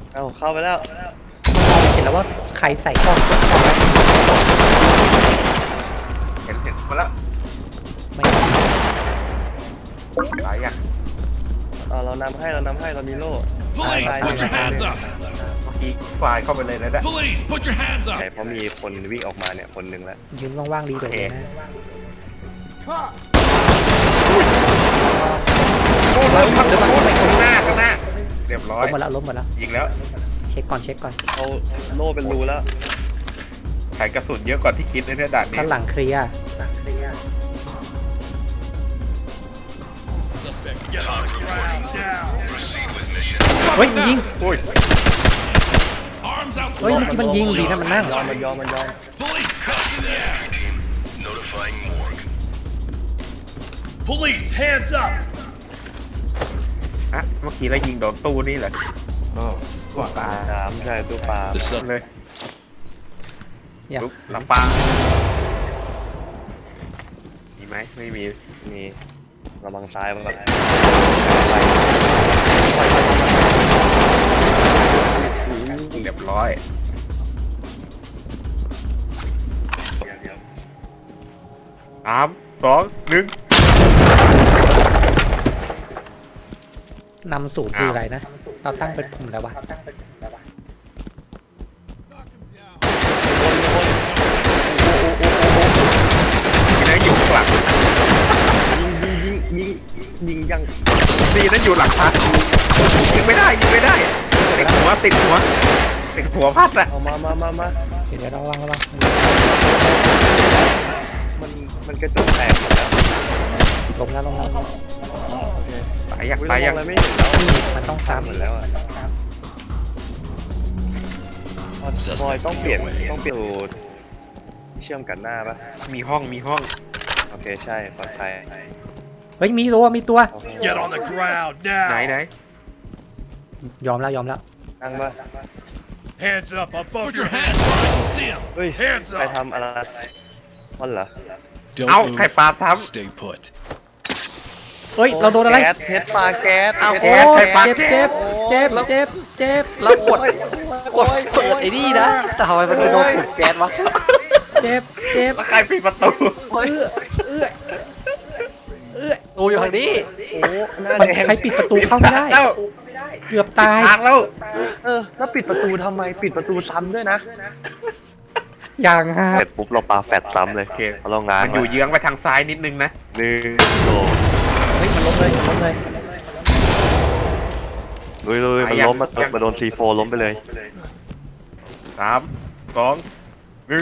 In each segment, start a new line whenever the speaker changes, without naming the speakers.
เอาเข้าไปแล้ว
มันมองเห็นแล้วว่าใครใส่กล้องไว้
เห็นมาแล้ว
ไม่
ตายยัง
เรานำให้เรามีโล่
Police, put your hands up!
เมื่อกี้ไฟล์เข้าไปเลยนะเนี่ย
Police, put your hands
ใช่
up!
เพราะมีคนวิ่งออกมาเนี่ยคนหนึ่งแล้ว
ยืนว่างๆรีโดดเลยนะ
โอ้ล้มข้างหน้าเรียบร้อย
ล้มหมดแล้ว
ยิงแล้ว
เช็คก่อน
เอาโล่เป็นรูแล้ว
ไขกระสุนเยอะกว่าที่คิดเลยเนี่ยด่านนี้
ข้างหลังเคลียร์
Suspect, get on the ground now!
เฮ้ยยิง
โอ้ย
Arms out
เฮ้ยเมื่อ
front!
กี้มันยิงดีนะมันนั่ง
มันยอม
Police, hands in the air! Police, hands up!
อะเมื่อกี้เรายิงโดนตู้นี่เหรอตู้ปลา
น้ำใช่ตู้ปลา
เลย
อย่า
ลุกลำปางมีไหมไม่มี
มีระวังซ้ายมัน
เรียบร้อย3 2 1
นำสูตรคืออะไรนะ เราตั้งเป็นปุ่มแล้ววะ
มีนะอยู่ข้างหลัง
ยิงยัง
ดีนะอยู่หลังพัดยิงไม่ได้ติดหัวพัดอะ
เอามา
เดี๋ยวระวัง
มันกระจกแตกหมดแล้ว
ล้มแล้ว
ตายยัง
อะไรไม่เห็นแล้ว
มันต้อง
หม
ซ้ำ
ดแล้วอ่ะบอยต้องเปลี่ยนสูตรเชื่อมกันหน้าปะ
มีห้อง
โอเคใช่ปลอดภัย
เฮ้ยมีตัว
Get on the ground
ไหน
now!
ยอมแล้ว
นั่งปะ
Hands up above Put your hands where I can see them!
เฮ้ย
Hands
ใคร
up!
ทำอะไรมันเหรอ
Don't
เอาไข่ปลาซ้
Stay put.
เฮ้ยเราโดนอะไร
แก๊สเพชรปลาแก๊ส
อ้าว
เพ
โอ้
ชร
ย
ปลา
เจ็บเรากดเปิดไอ้นี่นะแต่ทำไมมันไปโดนกดแก๊สวะเจ็บ
ำแล้วใครปิดประตู
เฮ้ย
ตูอยู่ทางนี้
โอ้หน้า
มัน
แดง
ใครปิดประตูเข้าไม่ได้
แล้ว
เกือบตาย
ทางแล้ว
แล้วปิดประตูทำไมปิดประตูซ้ำด้วยนะ
อย่างฮะ
เสร็จปุ๊บเราปาแฟดซ้ำเลย
โอเค
เราง้าง
มันอยู่เยื้องไปทางซ้ายนิดนึงนะ
1 2
เฮ้ยมันล้มเลย
ลุยมันล้มมาโดน C4 ล้มไปเลย
3 2 1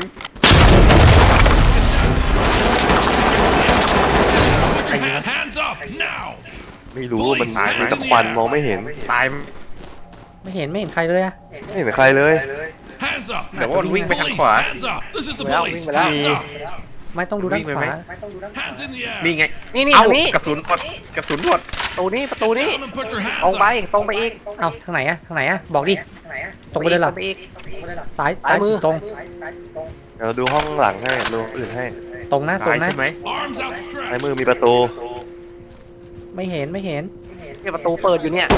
Put your hands up now!
ไม่รู้มันมีแตะควันมองไม่เห็น
ตาย
ไม่เห็นใครเลยอะ
ไม่เห็นใครเลย
Hands up!
เดี๋ยวว่ามันวิ่งไปทาง
Police,
ขวา
hands up! This is the
Well,
police!
well,
Hands up!
ไม่ต้องดูด้านขวา
Hands in the air!
นี่ไง
นี่
เอ้า
ทางนี้
กระสุนหมด
ประตูนี้
Down and put your hands
ตรงไป
up!
ตรงไปอีก
เอ้าทางไหนอะบอกดิ ตรงไปเลยเหรอ
ไปอีก
ซ้าย
ซ้ายมือ
ตรง
เดี๋ยวดูห้องหลังให้ดูอื่นให้
ตรงนะ
ตายใช่ไหม
Arms
ใน
outstretched!
มือมีประตู
ไม่เห็น
เนี่ยประตูเปิดอยู่เนี่ย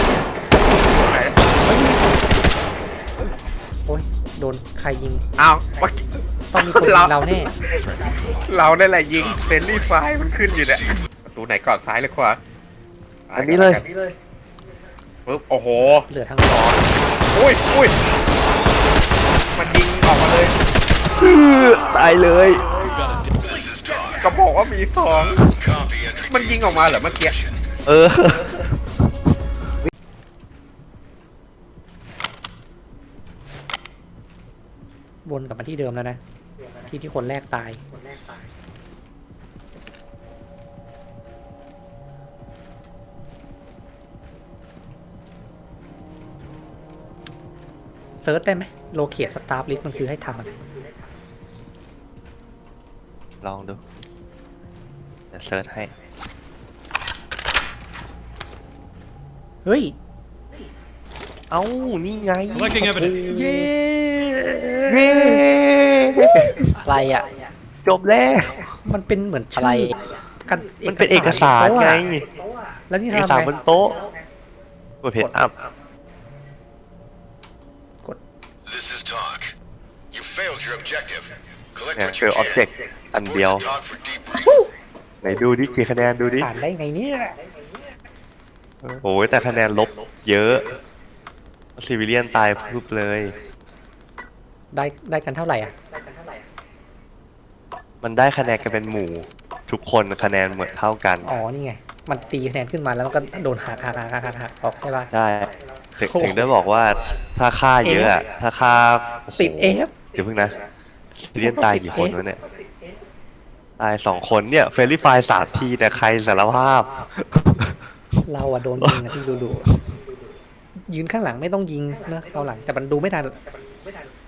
โอ้ยโดนใครยิง
อ้าวเมื่อกี้
ต้องมีคนยิงเราแน่
เราได้แหละยิงเฟรนลี่ไฟร์มันขึ้นอยู่เนี่ยประตูไหนก่อนซ้ายหรือขวา
อันนี้เลย
ปึ๊บโอ้โห
เหลือทั้งสอง
อุ้ยมันยิงออกมาเลย
ตายเลย
ก็บอกว่ามีสองมันยิงออกมาเหรอเมื่อกี้
เออ
วนกลับมาที่เดิมแล้วนะ ที่คนแรกตาย เซิร์ชได้ไหมโลเคตสตาร์ลิสต์มันคือให้ทำอะไร
ลองดูเดี๋ยวเซิร์ชให้
เฮ้ย
เอ้า นี่ไง
Collecting evidence.
เย้
เย้
อะไรอ่ะ
จบแล้ว
มันเป็นเหมือน
อะไร
กัน
มันเป็นเอกสารไง
แล้วนี่
เอก
ทำ
สาร
ไง
บนโต๊ะกดเพจอัพ
failed your objective. Collect
เนี่ย
what
เจ
you
อออบเจ
can.
กต์อันเดียว
Talk for debrief.
ไหนดูดิกี่คะแนนดูดิ
ผ่านได้ไงเนี่ย
โอ้ยแต่คะแนนลบเยอะซิวิเลียนตายพึบเลย
ได้กันเท่าไหร่อ่ะ
มันได้คะแนนกันเป็นหมู่ ทุกคนคะแนนเหมือนเท่ากัน
อ๋อ นี่ไง มันตีคะแนนขึ้นมาแล้วมันก็โดนหักออกใช่ป่ะ
ใช่ถึงได้บอกว่าถ้าค่าเยอะอะถ้าค่าโอ้โห
ติด F
เดี๋ยวเพิ่งนะซิวิเลียนตายกี่คนวะเนี่ยตาย2 คนเนี่ยเฟรลี่ไฟล์3 ทีแต่ใครสารภาพ
เราอะโดนยิงนะที่ดูยืนข้างหลังไม่ต้องยิงเนอะเอาหลังแต่มันดูไม่ทัน